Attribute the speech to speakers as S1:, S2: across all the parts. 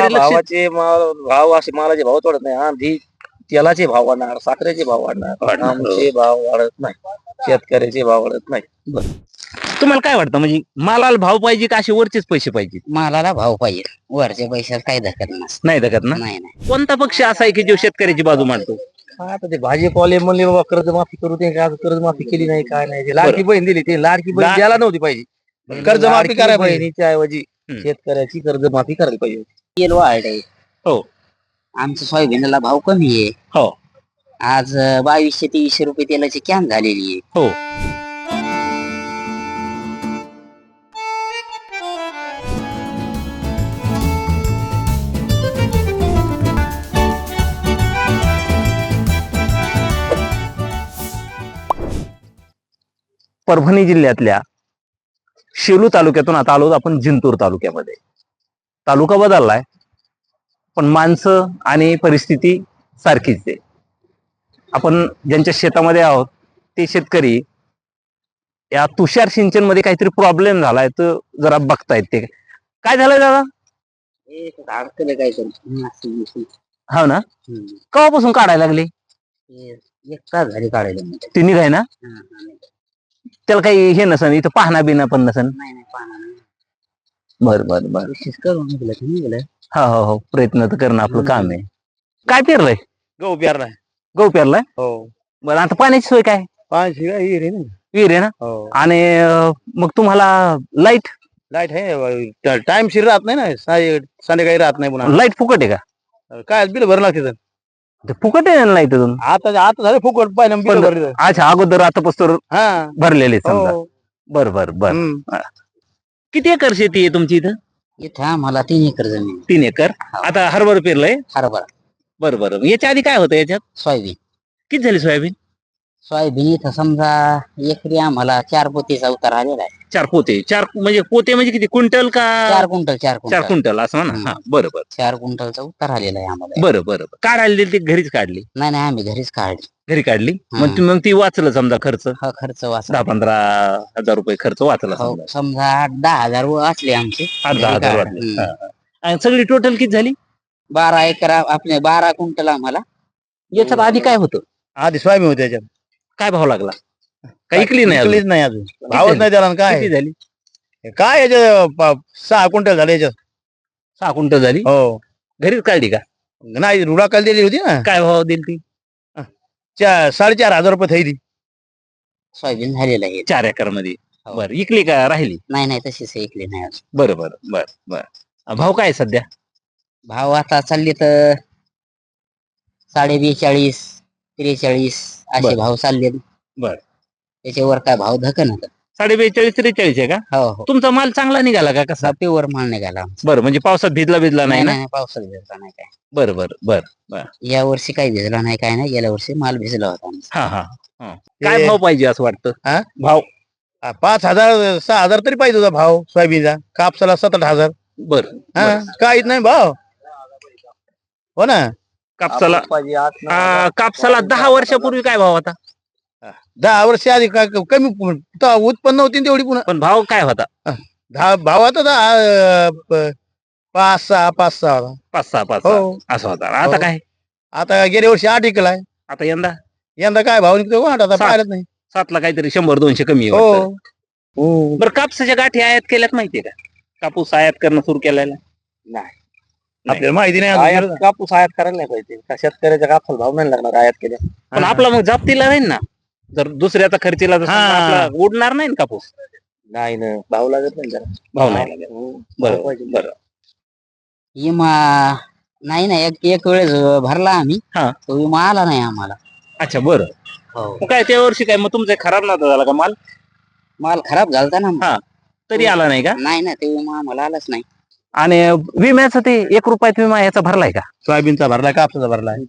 S1: शेतकरी लक्ष
S2: भावाचे भाव असे मालाचे भाव वाढत नाही. आधी तेलाचे भाव वाढणार, साखरेचे भाव वाढणार, आमचे भाव वाढत नाही, शेतकऱ्याचे भाव वाढत नाही.
S1: तुम्हाला काय वाटतं म्हणजे मालाला भाव पाहिजे का असे वरचेच पैसे पाहिजे?
S3: मालाला भाव पाहिजे, वरच्या पैशात काही धकत नसतं.
S1: नाही धकत ना.
S3: नाही नाही
S1: कोणता पक्ष असा आहे की जो शेतकऱ्याची बाजू मांडतो?
S2: आता ते भाजीपाले म्हणले बाबा कर्जमाफी करू, ते कर्जमाफी केली नाही, काय नाही. ते लाडकी बहीण दिली, ते लाडकी बहीण द्यायला नव्हती पाहिजे. कर्जमाफी करायला बहिणीच्या ऐवजी शेतकऱ्याची कर्जमाफी करायला पाहिजे.
S3: तेल वाढलंय.
S1: हो
S3: आमचं सोयाबीनला भाव कमी आहे.
S1: हो
S3: आज 2200-2300 रुपये तेलाची कॅन झालेली आहे.
S1: हो. परभणी जिल्ह्यातल्या शेलू तालुक्यातून आता आलो आपण जिंतूर तालुक्यामध्ये. तालुका बदललाय पण माणसं आणि परिस्थिती सारखीच आहे. आपण ज्यांच्या शेतामध्ये आहोत ते शेतकरी या तुषार सिंचन मध्ये काहीतरी प्रॉब्लेम झालाय तर जरा बघतायत. ते काय झालंय दादा?
S3: अडकलं काय तर
S1: हो ना. केव्हापासून काढायला लागले?
S3: एक तास झाली काढायला.
S1: ते निघाय ना. त्याला काही हे नसन, इथं पाहणा बिना पण नसन.
S3: नाही नाही पाहणार नाही.
S1: बर बर बर.
S3: कोशिश करून निघलं.
S1: हो हो हो, प्रयत्न तर करणं आपलं काम आहे. काय पेरलंय?
S2: गहू पेरलाय.
S1: गहू पेरलाय.
S2: हो.
S1: बरं आता पाण्याची सोय काय?
S2: पाचशे विहीर आहे ना.
S1: विहीर आहे ना.
S2: हो.
S1: आणि मग तुम्हाला लाईट?
S2: लाईट आहे, टाइम शिर राहत नाही ना, संध्याकाळी राहत नाही पुन्हा.
S1: लाईट फुकट आहे का?
S2: काय बिल भरलं लागते तर.
S1: ते फुकट आहे ना लाईट अजून?
S2: आता झालं फुकट, पाहिलं बिल भरलं.
S1: अच्छा, अगोदर आता पस्तोर
S2: हा
S1: भरलेले समजा.
S2: हो.
S1: बर बर बर. किती एकर शेती आहे तुमची इथं?
S3: इथं आम्हाला 3 एकर जमीन.
S1: 3 एकर. आता हरभरा पेरलंय?
S3: हरभरा,
S1: बरं बरं. याच्या आधी काय होतं याच्यात?
S3: सोयाबीन.
S1: किती झाली सोयाबीन?
S3: सोयाबीन इथं समजा एकरी आम्हाला 4 पोतीचा उतार आलेला आहे.
S1: 4 पोते. 4 म्हणजे पोते म्हणजे किती, क्विंटल का?
S3: 4 क्विंटल 4
S1: 4
S3: क्विंटल
S1: क्विंटल असं ना. हा बरं बरं
S3: 4 क्विंटलचा उतार आलेला आहे आम्हाला.
S1: बरं बरं. काढायला दिली ती घरीच काढली?
S3: नाही नाही आम्ही घरीच काढली.
S1: घरी काढली. मग ती वाचलं समजा खर्च?
S3: हा खर्च वाचला.
S1: 10-15 हजार रुपये खर्च वाचला
S3: हो,
S1: समजा.
S3: समजा 8-10 हजार असले आमचे.
S1: 8-10 हजार वाचले. हा, हा. आणि सगळी टोटल किती झाली?
S3: 12 एकर आपले 12 क्विंटल आम्हाला.
S1: याच्यात आधी काय होतं?
S2: आधी सोयाबीन होती त्याच्यात.
S1: काय भाव लागला? काही इकली नाही
S2: इकलीच
S1: अजून?
S2: नाही अजून, भावच नाही त्याला. काय
S1: किती झाली?
S2: काय याच्या 6 क्विंटल झाले याच्यात.
S1: 6 क्विंटल झाली.
S2: हो.
S1: घरीच काढली का?
S2: नाही, रुडाकाल दिली होती ना.
S1: काय भाव दिली ती?
S2: 4,500 रुपये थैली.
S3: सोयाबीन झालेलं आहे.
S1: 4 एकर मध्ये.
S3: हो.
S1: बरं, इकली का राहिली?
S3: नाही नाही तशीच ऐकली नाही अजून.
S1: बरं बरं बरं बरं. भाव काय आहे सध्या?
S3: भाव आता चालले तर 42.5, 43 असे
S1: बरं.
S3: भाव चालले.
S1: बरं.
S3: त्याच्यावर काय भाव धकन होत.
S1: 42-43 आहे का?
S3: हो हो.
S1: तुमचा माल चांगला निघाला का कसा?
S3: प्युअर माल निघाला आमचा.
S1: बरं, म्हणजे पावसात भिजला नाही ना?
S3: नाही पावसात भिजला नाही काय.
S1: बरं बरं बरं.
S3: या वर्षी काही भिजला नाही काय नाही. गेल्या वर्षी माल भिजला होता आमचा.
S1: हा हा हा. काय भाव पाहिजे असं वाटतं?
S2: हा?
S1: भाव
S2: 5,000 6,000 तरी पाहिजे होता भाव सोयाबीनचा. कापसाला 7-8 हजार.
S1: बरं.
S2: काहीच नाही भाव. हो ना.
S1: कापसाला कापसाला 10 वर्षापूर्वी काय भाव होता?
S2: 10 वर्ष आधी कमी उत्पन्न होती ना तेवढी. पुन्हा
S1: पण भाव काय होता?
S2: भाव आता 5-6 होता.
S1: 5-6
S2: हो.
S1: असा होता. आता काय?
S2: आता गेल्या वर्षी 8 विकलाय.
S1: आता यंदा
S2: काय भाव निघतो कोण आता
S1: 7.
S2: पाहिलंच नाही.
S1: 7ला काहीतरी 100-200 कमी आहे वाटतं.
S2: हो.
S1: बरं, कापसाच्या गाठी आयात केल्यात माहितीये का? कापूस आयात करणं सुरू केलेला
S2: नाही, आपल्याला माहिती नाही. कापूस आयात करायला नाही पाहिजे. शेतकऱ्याच्या कापसाला भाव नाही लागणार आयात केल्या.
S1: पण आपला मग जापतीला राहील ना. जर दुसऱ्याचा खर्चीला तर समजा आपला उडणार नाही ना कापूस.
S2: नाही ना, भाव लागत नाही जरा.
S1: भाव नाही लागत. बरं बरं.
S3: विमा नाही ना, एक वेळेस भरला आम्ही.
S1: हा.
S3: तो विमा आला नाही आम्हाला.
S1: अच्छा बरं.
S3: हो.
S1: मग काय त्या वर्षी काय मग तुमचा खराब नव्हता झाला का माल?
S3: माल खराब झालता ना.
S1: हा. तरी आला नाही का?
S3: नाही ना, ते विमा आम्हाला आलाच नाही.
S1: आणि विम्याचं ते 1 रुपयात विमा याचा भरलाय का?
S2: सोयाबीनचा भरलाय, कापसाचा भरलाय.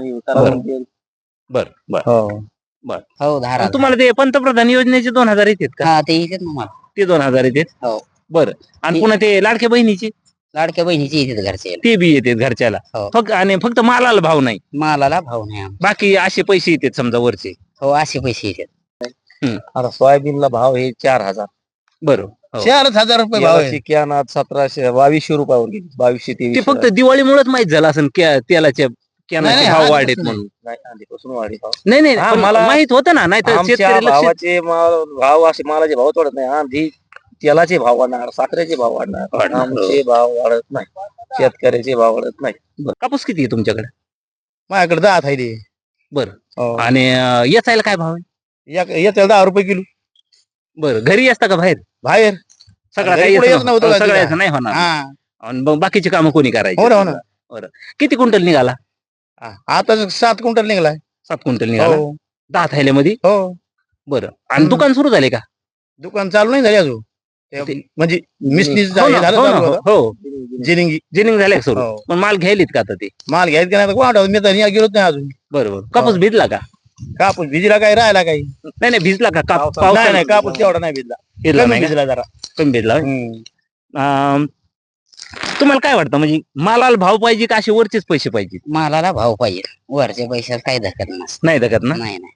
S1: बर बर.
S3: हो 10,000.
S1: तुम्हाला ते पंतप्रधान योजनेचे 2,000 येतात का?
S3: हा ते येतात ना मला.
S1: ते 2,000 येतात.
S3: हो.
S1: बरं. आणि पुन्हा ते लाडक्या बहिणीचे
S3: लाडक्या बहिणीचे येतात घरचे.
S1: ते बी येतात घरच्याला.
S3: हो.
S1: फक्त मालाला भाव नाही,
S3: मालाला भाव नाही आमचा.
S1: बाकी असे पैसे येतात समजा वरचे.
S3: हो असे पैसे येतात.
S2: आता सोयाबीनला भाव हे 4,000.
S1: बरं. हो.
S2: 4,000 रुपये भाव आहे कॅन आज 2200 रुपयावर गेली 2200-2300.
S1: ते फक्त दिवाळीमुळेच माहित झालं असं तेलाच्या कॅनाचे
S2: नाही,
S1: भाव
S2: आधीपासून
S1: वाढेत
S2: नाही.
S1: म्हणून.
S2: नाही, आधीपासून वाढले भाव.
S1: नाही नाही
S2: हा,
S1: पण
S2: मला-
S1: माहित होतं ना, नाही तर
S2: आमच्या
S1: शेतकरी लक्ष
S2: भावाचे भाव असे मालाचे भाव वाढत नाही. आधी तेलाचे भाव वाढणार, साखरेचे भाव वाढणार,
S1: वाढणार.
S2: आमचे भाव वाढत नाही, शेतकऱ्याचे भाव वाढत नाही.
S1: कापूस किती आहे तुमच्याकडे?
S2: माझ्याकडे 10 थायली आहे.
S1: बरं.
S2: हो.
S1: आणि याचायला काय भाव आहे?
S2: येत्या 10 रुपये किलो
S1: बरं, घरी असता का बाहेर?
S2: बाहेर.
S1: सगळा
S2: घरी
S1: काही
S2: पुढे
S1: येत
S2: येत नव्हतं का
S1: सगळ्याच
S2: तिला?
S1: नाही होणार.
S2: हा.
S1: आणि मग बाकीची कामं कोणी करायची?
S2: हो ना, हो ना.
S1: बरं. किती क्विंटल निघाला?
S2: आता 7 क्विंटल निघालाय.
S1: 7 क्विंटल निघाला.
S2: हो
S1: 10 थैल्यामध्ये.
S2: हो.
S1: बरं. आणि
S2: हम्म.
S1: दुकान सुरू झाले का?
S2: दुकान चालू नाही झाली अजून.
S1: ते-
S2: म्हणजे मिसनीस
S1: हो ना,
S2: झालं
S1: हो ना,
S2: चालू होतं.
S1: हो.
S2: जिनिंगी
S1: जिनिंग झाले सुरू.
S2: हो.
S1: पण माल घ्यायलीत का आता ते?
S2: माल घ्यायचं का नाही कोण मी तर गेलोच नाही अजून.
S1: बरोबर. कापूस भिजला का?
S2: कापूस भिजला काही राहिला काही
S1: नाही नाही भिजला का?
S2: नाही नाही कापूस तेवढा नाही भिजला.
S1: भिजला
S2: कमी
S1: नाही का?
S2: भिजला जरा.
S1: कमी भिजला होय?
S2: हम्म.
S1: अं, तुम्हाला काय वाटतं, म्हणजे मालाला भाव पाहिजे का असे वरचेच पैसे पाहिजे?
S3: मालाला भाव पाहिजे, वरच्या पैशात काही धकत नसतं.
S1: नाही दगत ना.
S3: नाही नाही.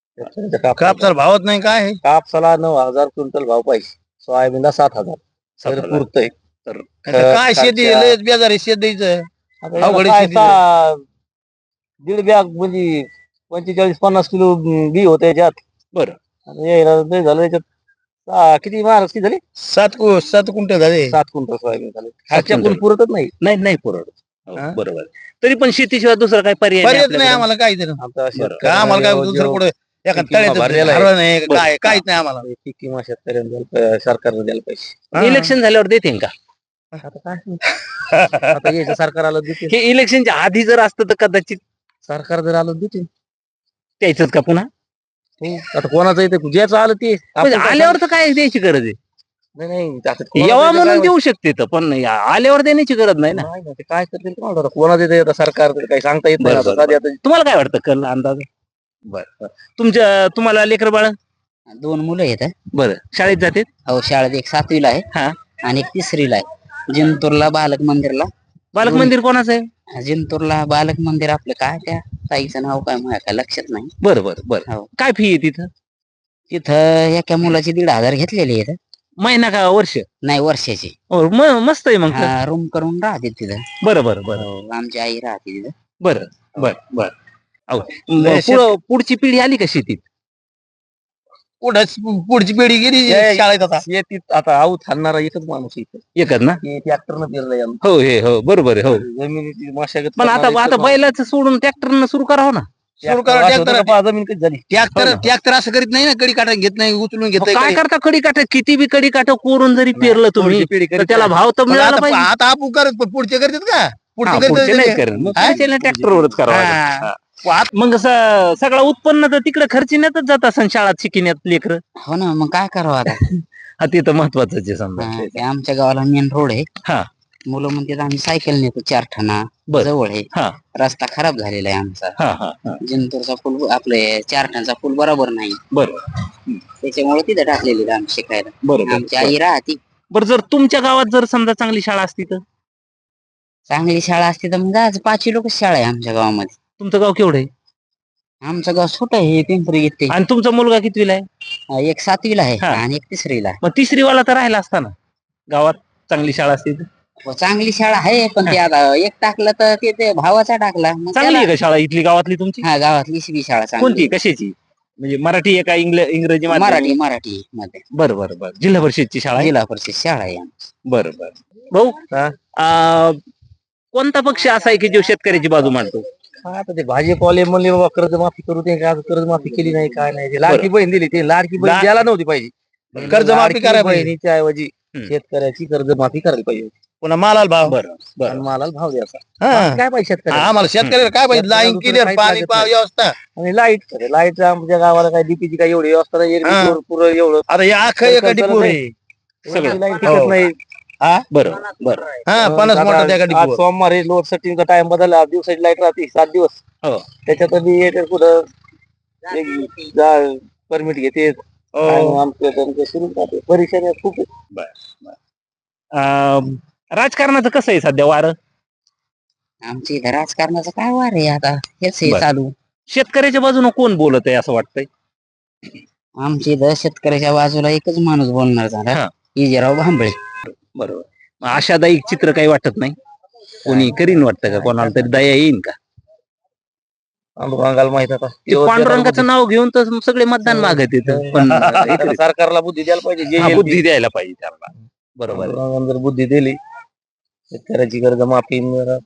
S2: कापसाला भावच नाही काय कापसाला 9,000 क्विंटल भाव पाहिजे, सोयाबीनला 7,000 तर
S1: 7,000.
S2: पुरतंय.
S1: तर
S2: काय शेती
S1: खर्चा-
S2: लयच बेजार आहे शेत द्यायचं. अवघड आहे
S4: काय
S2: शेतीचं.
S4: दीड बॅग म्हणजे 45-50 किलो बी होते याच्यात.
S1: बरं.
S4: आणि यायला लय झालं याच्यात. किती महाराज किती झाली?
S2: 7 क्विंटल झाले.
S4: 7 क्विंटल सोयाबीन झाले.
S1: क्विंटल.
S4: कोण पुरतच नाही.
S1: नाही नाही पुरवत. हो,
S2: हा?
S1: बरोबर. तरी पण शेतीशिवाय दुसरा काय पर्याय
S2: पर्याय नाही
S1: आपल्याकडे?
S2: आम्हाला काही तरी
S4: आमचा
S1: बरं.
S2: का आम्हाला काय दुसरं पुढे एखाद
S4: किंवा
S2: तळ्याचं
S4: भरलेलं आहे.
S2: हरवलं नाही
S1: बरं.
S2: काय काहीच नाही आम्हाला.
S4: पीक किंवा शेतकऱ्यांना सरकारनं द्यायला पाहिजे.
S2: हा.
S1: इलेक्शन झाल्यावर देते का?
S4: आता काय आता यायचं सरकार आलं देते.
S1: हे इलेक्शनच्या आधी जर असतं तर कदाचित
S4: सरकार जर आलं देते.
S1: द्यायचंच का पुन्हा?
S4: आता कोणाचं येते ज्याचं आलं ते
S1: म्हणजे
S4: आपण काय
S1: आल्यावर तर काय द्यायची गरज आहे?
S4: नाही नाही आता कोणाचं
S1: यावा
S4: येतं
S1: म्हणून
S4: काय
S1: देऊ शकते तर, पण आल्यावर देण्याची गरज नाही ना.
S4: नाही ना, ते काय करतील कोणाला आता कोणाचं येते आता सरकार तर काही सांगता येत नाही.
S1: बरं,
S4: आता
S1: बरं,
S4: सध्या आता
S1: तुम्हाला काय वाटतं कल अंदाज? बरं. तुम्हाला लेकर बाळ?
S3: 2 मुलं आहेत.
S1: बरं. शाळेत जाते?
S3: हो, शाळेत एक 7वीला आहे
S1: हा.
S3: आणि एक 3रीला आहे. जिंतूरला बालक मंदिरला.
S1: बालक मंदिर कोणाचं आहे?
S3: जिंतूरला बालक मंदिर आपलं काय त्या ताईचं नाव काय माझ्या काय लक्षात नाही.
S1: बरं बरं बरं.
S3: हो.
S1: काय फी आहे तिथं?
S3: तिथं एका मुलाची 1,500 घेतलेली आहेत.
S1: महिना का वर्ष?
S3: नाही, वर्षाची.
S1: मस्त आहे मग तर.
S3: रूम करून राहते तिथं.
S1: बरं बरं बरं
S3: हो, आमची आई राहते तिथं.
S1: बरं बरं बरं. अहो,
S2: लय
S1: पुढची पिढी आली का शेतीत?
S2: पुढची पिढी गेली
S4: जय-
S2: शाळेत आता.
S4: शेतीत आता आऊत हाणणारा एकच माणूस इथं
S1: एकच ना?
S4: ट्रॅक्टरनं पेरलं यानं.
S1: हो हे हो बरोबर आहे. हो.
S4: जमिनीची मशागत
S1: पण आता
S4: करणारा
S1: आता
S4: एकच
S1: बैलाचं सोडून ट्रॅक्टरनं सुरू करावं ना.
S2: सुरू
S4: ट्रॅक्टर
S2: करा
S4: असं होतं
S2: ट्रॅक्टर
S4: का पहा, जमीन कधी झाली.
S2: ट्रॅक्टर
S1: हो ना.
S2: ट्रॅक्टर असं करीत नाही ना, कडी काटा घेत नाही, उचलून घेत
S1: मग काय करता, कडी काठ किती बी कडी काठ कोरून जरी पेरलं तुम्ही
S4: पुढची पिढी
S1: तर
S4: करीत
S1: त्याला
S4: नाही.
S1: भाव तर मिळाला
S2: आता
S1: पाहिजे.
S2: आता आपण करत पण पुढचे करतात का
S1: हा,
S2: पुढचे
S1: पुढचे नाही
S2: करतात
S1: करेन. मग
S2: हा?
S1: पुढच्याला ट्रॅक्टरवरच करावं लागेल.
S2: हा.
S1: हा. मग सगळं उत्पन्न तर तिकडे खर्चिण्यातच जात असं शाळात शिकण्यात लेकर.
S3: हो ना, मग काय करावं आता.
S1: हा ते तर महत्वाचं आहे समजा.
S3: हा, ते आमच्या गावाला मेन रोड आहे.
S1: हा.
S3: मुलं म्हणतात आम्ही सायकल नेतो 4 ठाणा
S1: बर.
S3: जवळ आहे.
S1: हा.
S3: रस्ता खराब झालेला आहे आमचा.
S1: हा हा हा.
S3: जिंतूरचा पूल आपले 4 ठाणचा पूल बरोबर नाही.
S1: बरं
S3: त्याच्यामुळे तिथे टाकलेली आहे आम्ही शिकायला.
S1: बरोबर.
S3: आमची आई राहते.
S1: बरं, जर तुमच्या गावात जर समजा चांगली शाळा असती तर?
S3: चांगली शाळा असते तर मग आज 5 लोक शाळा आहे आमच्या गावामध्ये.
S1: तुमचं गाव केवढं आहे?
S3: आमचं गाव छोटं आहे, पिंपरी येते.
S1: आणि तुमचा मुलगा कितवीला आहे?
S3: एक 7वीला आहे
S1: हा.
S3: आणि एक 3रीला आहे.
S1: मग 3री वाला तर राहिला असता ना गावात चांगली शाळा असती तर.
S3: चांगली शाळा आहे, पण ते आता एक टाकलं तर ते भावाचा टाकला. मग
S1: चांगली
S3: त्याला-
S1: आहे का शाळा इथली गावातली तुमची?
S3: हा, गावातली बी शाळा चांगली
S1: कोणती कशाची? म्हणजे मराठी आहे का इंग्रजी
S3: आहे.
S1: माध्यम?
S3: मराठी मध्ये
S1: बरं बरं बरं. जिल्हा परिषदची शाळा आहे?
S3: जिल्हा परिषद शाळा आहे आमची.
S1: बरं बरं. भाऊ, कोणता पक्ष असा आहे की जो शेतकऱ्याची बाजू मांडतो?
S4: हा, आता ते भाजीपाले म्हणले बाबा कर्जमाफी करू ते आज कर्जमाफी केली नाही काय नाही. ते लाडकी बहीण दिली, ते लाडकी बहीण द्यायला नव्हती पाहिजे.
S2: कर्जमाफी
S4: लाडकी
S2: करायला पाहिजे.
S4: बहिणीच्या ऐवजी
S1: हम्म.
S4: शेतकऱ्याची कर्जमाफी करायला पाहिजे
S2: पुन्हा मालाला भाव
S1: बरं
S4: आणि
S1: बरं.
S4: मालाला भाव द्यायचा.
S2: हा.
S4: बाकी काय पाहिजे शेतकऱ्याला?
S2: आम्हाला शेतकऱ्याला काय पाहिजे
S4: शेतकऱ्याला
S2: लाईन
S4: दुसरं
S2: क्लिअर
S4: काहीच
S2: पाणी
S4: लागत
S2: पाव
S4: नाही.
S2: व्यवस्था.
S4: आणि लाईट आमच्या गावाला काय डीपीची काय एवढी व्यवस्था नाही.
S2: हा.
S4: एरवी पुरं एवढं
S2: आता या अख्खं एका
S4: सरकार
S2: डिपोर
S4: चालत
S2: आहे.
S1: सगळं.
S4: लाईट
S2: हो.
S4: टिकत नाही.
S1: बरं बरं.
S2: हा 50
S4: आता
S2: मोठा त्या
S4: आज
S2: डिपोर.
S4: सोमवारी लोड सेटिंगचा टाइम बदलला. आज दिवसाची लाईट राहते 7 दिवस.
S1: हो.
S4: त्याच्यात बी एक कुठं परमिट घेते आणि आमचं त्यांचं सुरू राहते. परीक्षा खूप आहे.
S1: राजकारणाचं कसं आहे सध्या वारं?
S3: आमच्या इथं राजकारणाचं काय वार आहे आता, हेच आहे
S1: बरं.
S3: चालू.
S1: शेतकऱ्याच्या बाजूने कोण बोलत आहे असं वाटतंय?
S3: आमच्या इथं शेतकऱ्याच्या बाजूला एकच माणूस बोलणार झाला,
S1: हा.
S3: इजेराव भांबळे.
S1: बरोबर. मग आशादायी चित्र काही वाटत नाही, कोणी करीन वाटतं का, कोणाला तरी दया येईन का?
S2: पांडुरंगाला माहित आता
S1: ते पांडुरंगाचं नाव घेऊन तर सगळे मतदान मागत येतं, पण इकडे-
S2: सरकारला बुद्धी द्यायला पाहिजे जे
S1: हा,
S2: येईल
S1: बुद्धी
S2: ते.
S1: द्यायला पाहिजे त्याला. बरोबर आहे.
S2: पांडुरंगाने जर बुद्धी दिली शेतकऱ्याची कर्ज माफी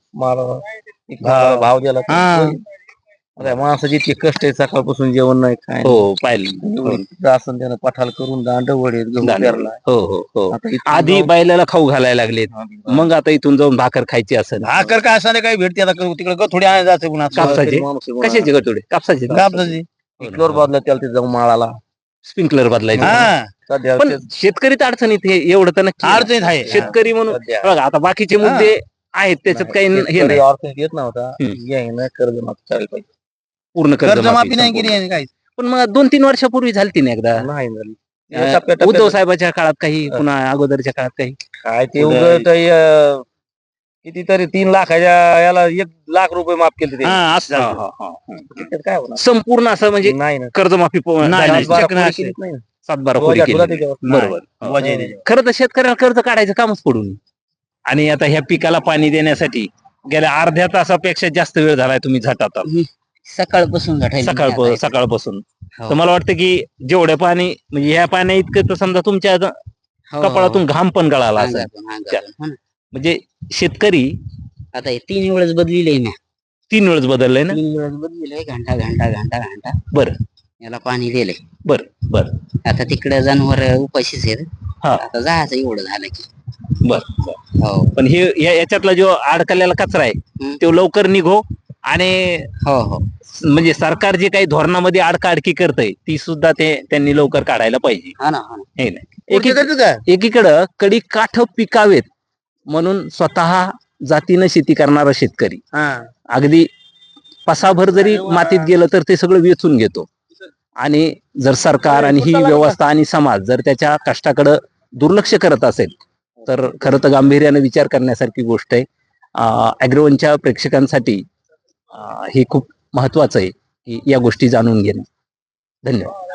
S2: भाव दिला तर
S1: हा.
S2: होईल. आता माणसाची इतकी कष्ट आहे, सकाळपासून जेवण नाही काय नाही.
S1: हो पाहिलं.
S2: असं त्यानं पठाल करून दांड वडे गहू पेरला.
S1: हो हो हो.
S2: आता इथून
S1: आधी
S2: जाऊन-
S1: बैलाला खाऊ घालायला लागलेत, मग आता इथून जाऊन भाकर खायची असेल.
S2: भाकर काय असं काही भेटते आता तिकडे गथोडी आणायला जायचं पुन्हा
S1: कापसाचे?
S2: माणूस आहे पुन्हा.
S1: कशाचे गटोडे? कापसाचे?
S2: कापसाची इकडवर बाजूला त्याला ते जाऊन माळाला
S1: स्प्रिंकलर बदलायचे.
S2: हा सध्या
S1: पण शेतकरी तर अडचणीत हे एवढं तर नक्की आहे.
S2: अडचणीत आहे
S1: शेतकरी म्हणून
S2: सध्या.
S1: बघा, आता बाकीचे मुद्दे आहेत त्याच्यात काही हे नाही.
S2: अडचणीत येत नव्हता यायनं कर्ज माफी करायला पाहिजे
S1: पूर्ण
S2: कर्जमाफी नाही
S1: संपूर्ण.
S2: केली यांनी काही
S1: पण मग 2-3 वर्षापूर्वी झाली ना एकदा.
S2: नाही झाली
S1: उद्धव साहेबाच्या काळात काही, पुन्हा अगोदरच्या काळात काही.
S2: काय ते
S1: उदय-
S2: उगत कितीतरी 3 लाखाच्या याला 1 लाख रुपये माफ केले ते
S1: असं
S2: झालं.
S1: हा, हा, हा.
S2: त्याच्यात काय होणार
S1: संपूर्ण असं म्हणजे
S2: नाही ना
S1: कर्जमाफी
S2: सातबारा पोळी केलीच नाही ना.
S1: सातबारा
S2: रोजा
S1: खोली
S2: तुला
S1: केली.
S2: त्याच्यावर.
S1: बरोबर.
S2: नाही. वजा आहे त्याच्यावर.
S1: खरं तर शेतकऱ्याला कर्ज काढायचं कामच पडून, आणि आता ह्या पिकाला पाणी देण्यासाठी गेल्या अर्ध्या तासापेक्षा जास्त वेळ झालाय तुम्ही झटात
S3: सकाळपासून झटायला
S1: सकाळपासून.
S3: हो.
S1: तर मला वाटतं की जेवढं पाणी म्हणजे ह्या पाण्या इतकं तर समजा तुमच्या
S3: हो,
S1: कपाळातून घाम पण गळाला असेल.
S3: अंगातून, अंगातून. हो ना.
S1: म्हणजे शेतकरी
S3: आता हे 3 वेळेस बदलिले ना,
S1: 3 वेळेस बदललंय ना.
S3: 3 वेळेस बदलिले, घंटा घंटा घंटा घंटा
S1: बरं
S3: याला पाणी दिले.
S1: बरं बरं
S3: आता तिकडे जनावर उपाशीच आहेत.
S1: हा.
S3: आता जायचं एवढं झालं की.
S1: बरं.
S3: हो
S1: पण हे याच्यातला जो अडकलेला कचरा आहे तो लवकर निघो, आणि
S3: हो हो
S1: म्हणजे सरकार जे काही धोरणामध्ये अडकाअडकी करतंय ती सुद्धा त्यांनी लवकर काढायला पाहिजे.
S3: हा ना, हा ना.
S1: हे नाही.
S2: पुढचे करतात काय?
S1: एकीकडं कडी काठ पिकावेत म्हणून स्वतः जातीनं शेती करणारा शेतकरी
S2: हा.
S1: अगदी पसाभर जरी मातीत गेलं तर ते सगळं वेचून घेतो, आणि जर सरकार आणि ही व्यवस्था आणि समाज जर त्याच्या कष्टाकडं दुर्लक्ष करत असेल तर खरं तर गांभीर्यानं विचार करण्यासारखी गोष्ट आहे. अॅग्रोवनच्या प्रेक्षकांसाठी हे खूप महत्वाचं आहे की या गोष्टी जाणून घेणं. धन्यवाद.